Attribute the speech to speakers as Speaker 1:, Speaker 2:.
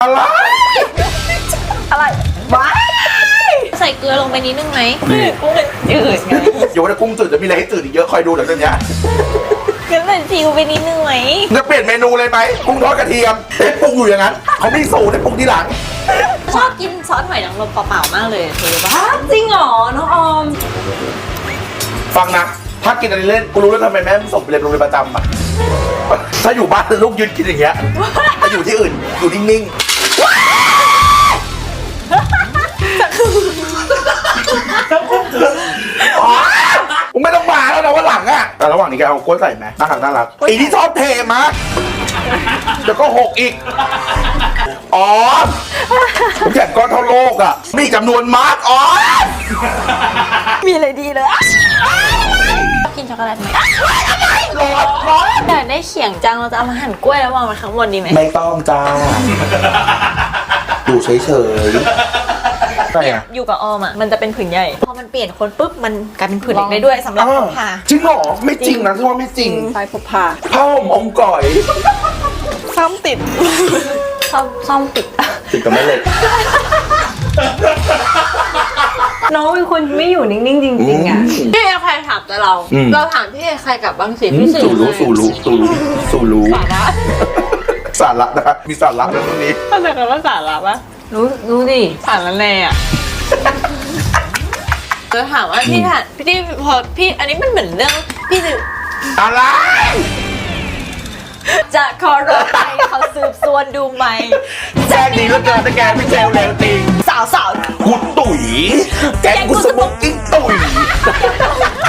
Speaker 1: อะไร
Speaker 2: อะไรว้า
Speaker 3: ใส่เกลือลงไปนิดนึงไหม
Speaker 2: กุ้งจืดไง
Speaker 1: อย่าว่าแต่กุ้งจืดจะมีอะไรให้จืดอีกเยอะคอยดูหลังจากเนี้ย
Speaker 3: งั้นใส่ซีอิ๊วไปนิดนึงไหม
Speaker 1: จะเปลี่ยนเมนูเลยไหมกุ้งทอดกระเทียมเอ๊ะปรุงอยู่อย่างนั้นเขาไม่สูตรให้ปรุงทีหลัง
Speaker 3: ชอบกินซอสหอยนางรมเปล่าๆมากเลยเธอรู้ปะ
Speaker 2: จริงเหรอน้องออม
Speaker 1: ฟังนะถ้ากินอะไรเล่นกูรู้แล้วทำไมแม่ไม่ส่งไปเรียนโรงเรียนประจำอ่ะถ้าอยู่บ้านลูกยืนกินอย่างเงี้ยถ้าอยู่ที่อื่นอยู่นิ่งๆมึงไม่ต้องมาแล้วนะวันหลังอะแต่ระหว่างนี้แกเอากล้วยใส่ไหมน่ารักอีที่ชอบเทมาเดี๋ยวก็หกอีกอ๋อแข่งก้อนเท่าโลกอะมีจำนวนมากอ๋อ
Speaker 2: มีอะไรดีเลย
Speaker 3: กินช็อกโกแลตไหม
Speaker 1: ร้อน
Speaker 3: อยากได้เขียงจังเราจะเอามาหั่นกล้วยแล้ววางไว้ข้างบนดีไหม
Speaker 1: ไม่ต้องจ้าดูเฉยๆใช่อะ
Speaker 3: อยู่กับออมอ่ะมันจะเป็นผืนใหญ่พอมันเปลี่ยนคนปุ๊บมันกลายเป็นผืนเล็กได้ด้วยสำหรับพกพา
Speaker 1: จริงเหรอไม่จริงนะที่ว่าไม่จริง
Speaker 2: ไฟพกพา
Speaker 1: ผ้าห่มองค์ก่อย
Speaker 2: ซ้ำติด
Speaker 3: ซ่อมติด
Speaker 1: ติดกับแม่เหล็ก
Speaker 2: น้องเป็นคนไม่อยู่นิ่งๆจริงๆอ่ะ
Speaker 3: พี่ใครถามแต่เรา เราถามพี่ใครกลับบ้างสิ
Speaker 1: อืม
Speaker 3: พี่สื่
Speaker 1: สู่รู้
Speaker 3: สาระ
Speaker 1: สาระนะมีสาระนะตรงนี้
Speaker 2: เข้าใจคำว่าสาระปะ
Speaker 3: รู้ดิ
Speaker 2: สาระแน่อ่ะ
Speaker 3: จะถามว่าพี่ถามพี่พอพี่อันนี้มันเหมือนเรื่องพี่จะ
Speaker 1: อะไร
Speaker 3: จะขอรถไปเขาสืบสวนดูไหม
Speaker 1: แจ้งดีเหลือเกินแต่แกไม่เซลเร็วจริง
Speaker 3: สาว
Speaker 1: กูตุ๋ยแกงกูสโมกกิ้งตุ๋ย